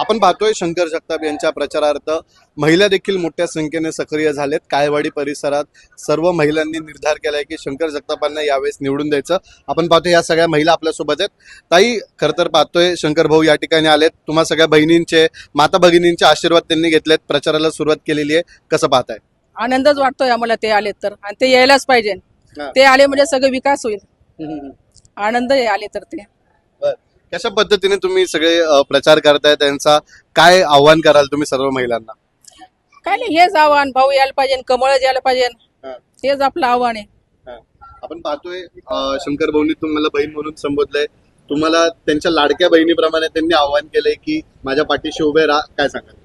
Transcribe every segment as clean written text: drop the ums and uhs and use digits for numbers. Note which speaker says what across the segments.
Speaker 1: आपण पाहतोय शंकर जगताप यांच्या प्रचारार्थ महिला देखील मोठ्या संख्येने सक्रिय झालेत। काळेवाडी परिसरात सर्व महिलांनी निर्धार केलाय की शंकर जगतापांना यावेळेस निवडून द्यायचं। आपण पाहतोय या सगळ्या महिला आपल्या सोबत आहेत। ताई, खरं तर पाहतोय शंकर भाऊ या ठिकाणी आलेत। तुम्हा सगळ्या बहिणींचे, माता भगिनींचे आशीर्वाद त्यांनी घेतलेत, प्रचाराला सुरुवात केलेली आहे। कसं पाहताय?
Speaker 2: आनंदच वाटतोय आम्हाला ते आले तर, आणि ते यायलाच पाहिजे। ते आले म्हणजे सगळं विकास होईल। आनंद आहे आले तर ते।
Speaker 1: कशा पद्धतीने तुम्ही सगळे प्रचार करताय, त्यांचा काय आव्हान कराल तुम्ही सर्व महिलांना?
Speaker 2: काय नाही, हेच आव्हान, भाऊ यायला पाहिजे, कमळ यायला पाहिजे, हेच आपलं आव्हान आहे।
Speaker 1: आपण पाहतोय शंकर भाऊनी तुम्हाला बहीण म्हणून संबोधलंय, तुम्हाला त्यांच्या लाडक्या बहिणीप्रमाणे त्यांनी आव्हान केलंय की माझ्या पाठीशी उभे राहा, काय सांगाल?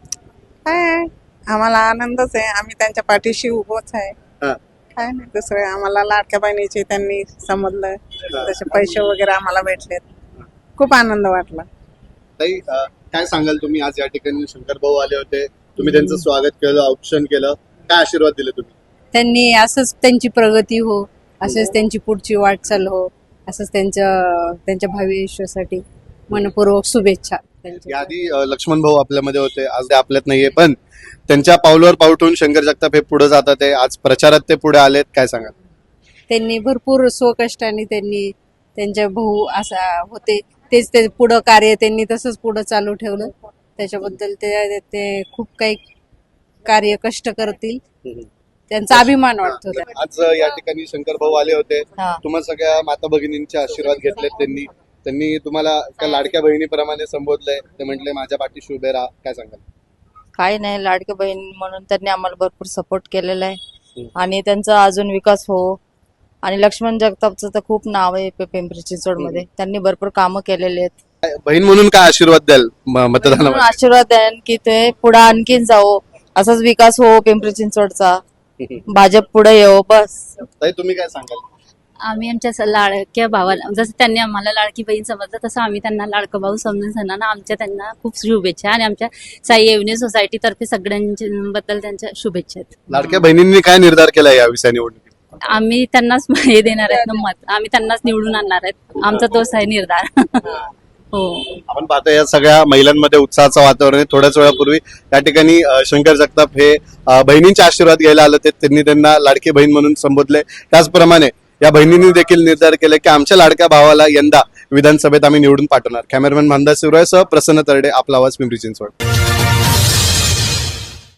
Speaker 3: काय आम्हाला आनंदच आहे, आम्ही त्यांच्या पाठीशी उभोच आहे। काय नाही दुसरं, आम्हाला लाडक्या बहिणीचे त्यांनी समजलं, तसे पैसे वगैरे आम्हाला भेटलेत, खूप आनंद वाटला।
Speaker 1: ताई, काय सांगाल तुम्ही? आज या ठिकाणी शंकर भाऊ आले होते, तुम्ही त्यांचं स्वागत केलं, औक्षण केलं, काय आशीर्वाद दिले तुम्ही?
Speaker 4: त्यांनी असंच त्यांची प्रगती हो, असंच त्यांची पुढची वाटचाल हो, असंच त्यांच्या भावी आयुष्यासाठी मनपूर्वक शुभेच्छा।
Speaker 1: याआधी लक्ष्मण भाऊ आपल्यामध्ये होते, आज ते आपल्यात नाहीये, पण त्यांच्या पावलावर पाऊल ठेवून शंकर जगताप हे पुढे जातात आहे। आज प्रचारात ते पुढे आलेत, काय सांगाल?
Speaker 4: त्यांनी भरपूर स्वकष्टाने त्यांनी त्यांच्या भाऊ असा होते, तेच ते पुढं कार्य त्यांनी तसंच पुढं चालू ठेवलं। त्याच्याबद्दल ते खूप काही कार्य कष्ट करतील, त्यांचा अभिमान वाटतो।
Speaker 1: आज या ठिकाणी शंकर भाऊ आले होते, तुम्हा सगळ्या माता भगिनींचे आशीर्वाद घेतलेत त्यांनी तुम्हाला त्या लाडक्या बहिणीप्रमाणे संबोधलंय, ते म्हटले माझ्या पाठीशी उभे राहा, काय सांगाल?
Speaker 5: काही नाही, लाडकी बहीण म्हणून त्यांनी आम्हाला भरपूर सपोर्ट केलेला आहे आणि त्यांचा अजून विकास हो। आणि लक्ष्मण जगतापचं तर खूप नाव आहे पिंपरी चिंचवड मध्ये, त्यांनी भरपूर कामं केलेले आहेत।
Speaker 1: बहीण म्हणून काय आशीर्वाद द्याल मतदानामध्ये?
Speaker 5: आशीर्वाद द्याल की ते पुढे आणखीन जाओ, असाच विकास हो पिंपरी चिंचवडचा, भाजप पुढे येऊ, बस।
Speaker 1: ताई, तुम्ही काय सांगाल?
Speaker 6: आम्ही आमच्या लाडक्या भावाला, जसं त्यांनी आम्हाला लाडकी बहीण समजलं, तसं आम्ही त्यांना लाडकं भाऊ समजून त्यांना खूप शुभेच्छा, आणि आमच्या साई एव्हन्यू सोसायटी तर्फे सगळ्यांबद्दल त्यांच्या शुभेच्छा आहेत।
Speaker 1: लाडक्या बहिणींनी काय निर्धार केला या विषया निवडणुकीत?
Speaker 6: आम्ही त्यांनाच हे देणार आहेत ना, मत आम्ही त्यांनाच निवडून आणणार आहेत, आमचा तोच आहे निर्धार। हो,
Speaker 1: आपण पाहतो या सगळ्या महिलांमध्ये उत्साहाचं वातावरण आहे। थोड्याच वेळापूर्वी या ठिकाणी शंकर जगताप हे बहिणींचे आशीर्वाद घ्यायला आले होते, त्यांनी त्यांना लाडकी बहीण म्हणून संबोधले। त्याचप्रमाणे या बहिणींनी देखील निर्धार केले की आमच्या लाडक्या भावाला यंदा विधानसभेत आम्ही निवडून पाठवणार। कॅमेरामॅन मानदा शिवरायसह प्रसन्न तरडे, आपला आवाज, पिंपरी चिंचवड।